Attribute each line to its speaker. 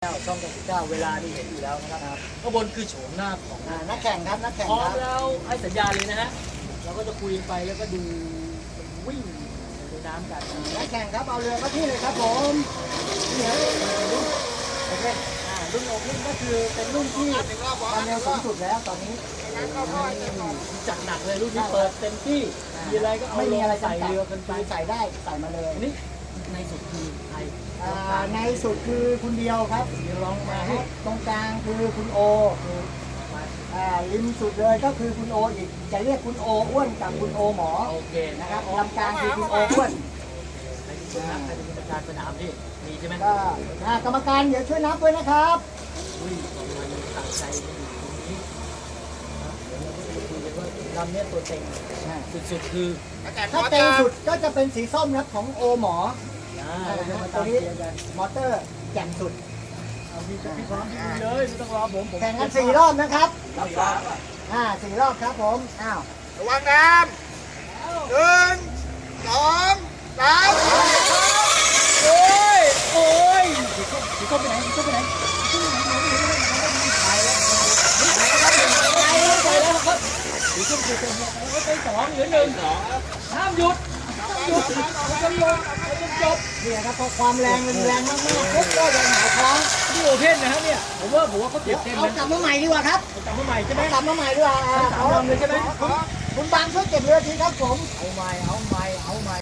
Speaker 1: ช่อง99เวลานี่เห็นอยู่แล้วนะครับข้างบนคือโฉมหน้าของ
Speaker 2: นักแข่งครับนักแข่ง
Speaker 1: พร้อ
Speaker 2: ค
Speaker 1: ม
Speaker 2: รับ
Speaker 1: แล้วให้สัญญาณเลยนะฮะเราก็จะคุยไปแล้วก็ดูวิ่งในน้ำกัน
Speaker 2: นักแข่งครับเอาเรือเข้าที่เลยครับผมนี่ครับโอเครุ่นโอเพนก็คือเป็นรุ่นที่ความเร็วสูงสุดแล้วตอนนี้
Speaker 1: จัดหนักเลยรุ่นนี้เปิดเต็มที่มีอะไรก็เอา
Speaker 2: ไม่มีอะไร
Speaker 1: ใส่เรือกันไป
Speaker 2: ใส่ได้ใส่มาเลย
Speaker 1: นี่ในสุดคือใคร
Speaker 2: ในสุดคือคุณเดียวครับ
Speaker 1: เดี๋ยวลองมาให้
Speaker 2: ตรงกลางคือคุณโอริมสุดเลยก็คือคุณโออีกจะเรียกคุณโออ้วนกับคุณโอหมอ
Speaker 1: โอเค
Speaker 2: นะครับลำกลางคือคุณโออ้วน
Speaker 1: ใครเป็นคนนับใครเป็นกรรมการสนามพี่มีใช่ไหม
Speaker 2: ก็กรรมการเดี๋ยวช่วยนับด้วยนะครับ
Speaker 1: อุ้ยมันตั้งใจอยู่ตรงนี้เดี๋ยวเราก็จะคุยกันว่าลำเนี้ยตัวเต็งสุดๆคือ
Speaker 2: ถ้าเต็มสุดก็จะเป็นสีส้มครับของโอหมอ
Speaker 1: เราจะมา
Speaker 2: ตั
Speaker 1: ตาว ม
Speaker 2: นี้
Speaker 1: เชียร์กัน
Speaker 2: มอเตอร์แจ่มสุด
Speaker 1: เอาพี่พร้อมพี่เลยไม่ต้องรอผม
Speaker 2: แข่งกัน4 รอบนะครับ
Speaker 1: รับฟัง
Speaker 2: 4 รอบครับผมอ้าว
Speaker 3: ระวังน้ำ1 2 3
Speaker 1: โอ้ยโอ้ยสีส้มไปไหนสีส้มไปไหนสีส้มคือเป็นแล้วเป็น2เหลือ1ห้ามหยุดต้องลงจบ
Speaker 2: เนี่ยครับพอความแรงมันแรงมากๆปุ๊บก็จะหงายท้อง
Speaker 1: นี่โอเพนนะฮะเนี่ยผมว่าเขาเก็บเต็ม
Speaker 2: เอา
Speaker 1: นะ
Speaker 2: กลับมาใหม่ดีกว่าครับ
Speaker 1: จำมาใหม่ใช่ไหม
Speaker 2: กลับมาใหม่ดีกว่า
Speaker 1: สามลำเลยใช่ไหม
Speaker 2: คุณบางช่วยเก็บเรือทีครับผม
Speaker 1: เอาใหม่